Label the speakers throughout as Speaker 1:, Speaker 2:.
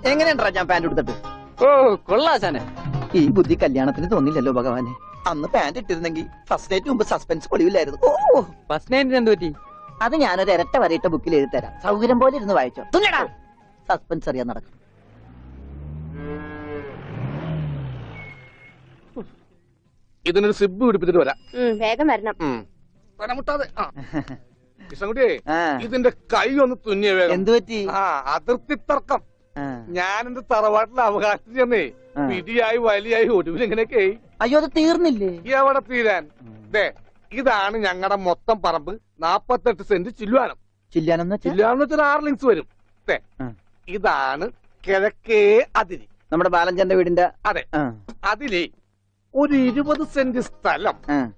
Speaker 1: എങ്ങനെയുണ്ടാ ഞാൻ പാന്റ് എടുത്തിട്ട്?
Speaker 2: ഓ കൊള്ളാശാനെ.
Speaker 1: ഈ ബുദ്ധി കല്യാണത്തിന് തോന്നില്ലല്ലോ ഭഗവാനെ. അന്ന് പാന്റ് ഇട്ടിരുന്നെങ്കിൽ ഫസ്റ്റ് നൈറ്റ് മുമ്പ് സസ്പെൻസ് പൊളിവില്ലായിരുന്നു. ഓ
Speaker 2: ഫസ്റ്റ് നൈറ്റിന് എന്ത് പറ്റി?
Speaker 1: അത് ഞാനൊരു ഇരട്ട വരയിട്ട ബുക്കിൽ എഴുതി തരാം. സൗകര്യം പോലെ ഇരുന്ന് വായിച്ചോ. തുന്നടാ സസ്പെൻസ് അറിയാൻ നടക്കും.
Speaker 3: ഇതിനൊരു സിബ് പിടിപ്പിച്ചിട്ട് വരാം.
Speaker 4: വേഗം വരണം.
Speaker 3: മുട്ടാതെ കൃഷ്ണൻകുട്ടിയെ ഇതിന്റെ കൈ ഒന്ന് തുന്നിയ വേഗം.
Speaker 1: എന്തു പറ്റി?
Speaker 3: അതിർത്തി തർക്കം. ഞാൻ എന്റെ തറവാട്ടിലെ അവകാശം ചെന്നേ പിടിയായി വലിയായി ഒടുവിൽ ഇങ്ങനെയൊക്കെ.
Speaker 1: അയ്യോ അത് തീർന്നില്ലേ?
Speaker 3: എവിടെ തീരാൻ? ഇതാണ് ഞങ്ങളുടെ മൊത്തം പറമ്പ്. 48 സെന്റ് ചില്ലുവാനം.
Speaker 1: ചില്ലാനെന്ന്
Speaker 3: ചില്ലുവാനം വെച്ചാൽ 6 ലിങ്സ് വരും. ഇതാണ് കിഴക്കേ അതിരി.
Speaker 1: നമ്മുടെ ബാലഞ്ചന്റെ വീടിന്റെ.
Speaker 3: അതെ. അതിലേ ഒരു 20 സെന്റ് സ്ഥലം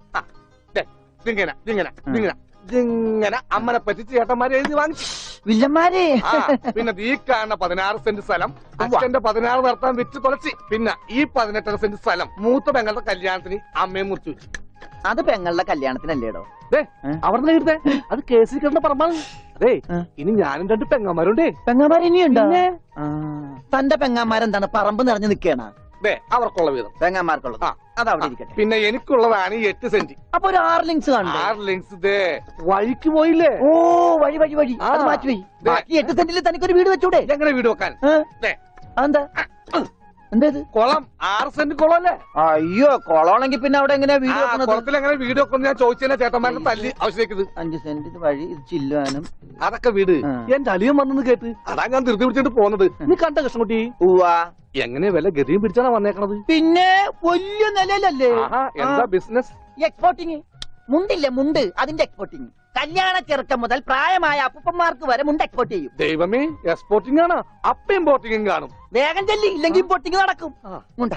Speaker 3: ഇങ്ങനെ അമ്മനെ പറ്റി ചേട്ടന്മാരെ എഴുതി വാങ്ങിച്ചു.
Speaker 1: വില്ലന്മാരെ.
Speaker 3: പിന്നെ ഈ കാണുന്ന 16 സെന്റ് സ്ഥലം അച്ഛന്റെ 16 നടത്താൻ വിറ്റ് തുളച്ചി. പിന്നെ ഈ 18 സെന്റ് സ്ഥലം മൂത്ത പെങ്ങളുടെ കല്യാണത്തിന് അമ്മയെ മുറിച്ചു വെച്ചു.
Speaker 1: അത് പെങ്ങളുടെ കല്യാണത്തിനല്ലേടോ?
Speaker 3: അവിടെ എഴുതേ അത് കേസിൽ കിടന്ന പറമ്പാണ്. അതെ ഇനി ഞാനും 2 പെങ്ങന്മാരുണ്ടേ.
Speaker 1: പെങ്ങന്മാർ ഇനിയുണ്ടോ? തന്റെ പെങ്ങന്മാരെന്താണ് പറമ്പ് നിറഞ്ഞു നിൽക്കണ?
Speaker 3: അവർക്കുള്ള വീതം
Speaker 1: പെങ്ങന്മാർക്കുള്ളത് അതവിടെ ഇരിക്കട്ടെ.
Speaker 3: പിന്നെ എനിക്കുള്ളതാണ് 8 സെന്റ്.
Speaker 1: അപ്പൊ ഒരു 6 ലിങ്സ് കാണും.
Speaker 3: 6 ലിങ്സ് വഴിക്ക് പോയില്ലേ?
Speaker 1: ഓ വഴി വഴി വഴി അത് മാറ്റി പോയി. ബാക്കി 8 സെന്റിൽ തനിക്കൊരു വീട് വെച്ചൂടെ?
Speaker 3: എങ്ങനെ വീട് വെക്കാൻ?
Speaker 1: എന്താ എന്തേത്?
Speaker 3: കുളം 6 സെന്റ് കുളം അല്ലേ?
Speaker 1: അയ്യോ കുളമാണെങ്കിൽ പിന്നെ അവിടെ എങ്ങനെയാ വീട് വെക്കുന്നത്?
Speaker 3: കുളത്തിൽ എങ്ങനെ വീട് വെക്കുന്നത് ഞാൻ ചോദിച്ചാൽ ചേട്ടന്മാരുടെ തല്ലി ആവശ്യത്തേക്ക്.
Speaker 1: 5 സെന്റ് വഴി ഇത് ചില്ലുവാനും
Speaker 3: അതൊക്കെ വീട്. എന്റെ അളിയൻ വന്നെന്ന് കേട്ട് അതാ ഞാൻ ധൃതി പിടിച്ചിട്ട് പോന്നത്. നീ കണ്ട കൃഷ്ണൻകുട്ടി? എങ്ങനെ വില ഗതിയും പിടിച്ചാണ് വന്നേക്കണത്?
Speaker 1: പിന്നെ വലിയ നിലയിലല്ലേ?
Speaker 3: എന്താ ബിസിനസ്?
Speaker 1: എക്സ്പോർട്ടിങ്. മുണ്ടില്ലേ മുണ്ട്, അതിന്റെ എക്സ്പോർട്ടിങ്. കല്യാണ ചെറുക്കം മുതൽ പ്രായമായ അപ്പൂപ്പന്മാർക്ക് വരെ മുണ്ട് എക്സ്പോർട്ട് ചെയ്യും.
Speaker 3: ദൈവമേ, എക്സ്പോർട്ടിംഗ് ആണ്. അപ്പ ഇമ്പോർട്ടിംഗും കാണും.
Speaker 1: വേഗം ചെല്ലി, ഇല്ലെങ്കിൽ ഇമ്പോർട്ടിംഗ് നടക്കും. മുണ്ട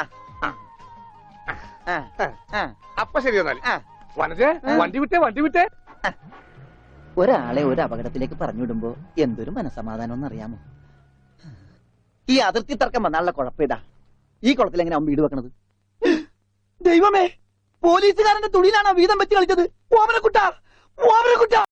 Speaker 3: അപ്പൊ ശരി എന്നാല് വനജേ വണ്ടി വിട്ടേ.
Speaker 1: ഒരാളെ ഒരു അപകടത്തിലേക്ക് പറഞ്ഞുവിടുമ്പോ എന്തൊരു മനസമാധാനം എന്നറിയാമോ? ഈ അതിർത്തി തർക്കം വന്നാലുള്ള കുഴപ്പമിതാ. ഈ കുളത്തിൽ എങ്ങനെ വീട് വെക്കണത്? ദൈവമേ, പോലീസുകാരന്റെ തുണിയിലാണോ വീതം വെച്ച് കളിച്ചത്? ഓമനക്കുട്ട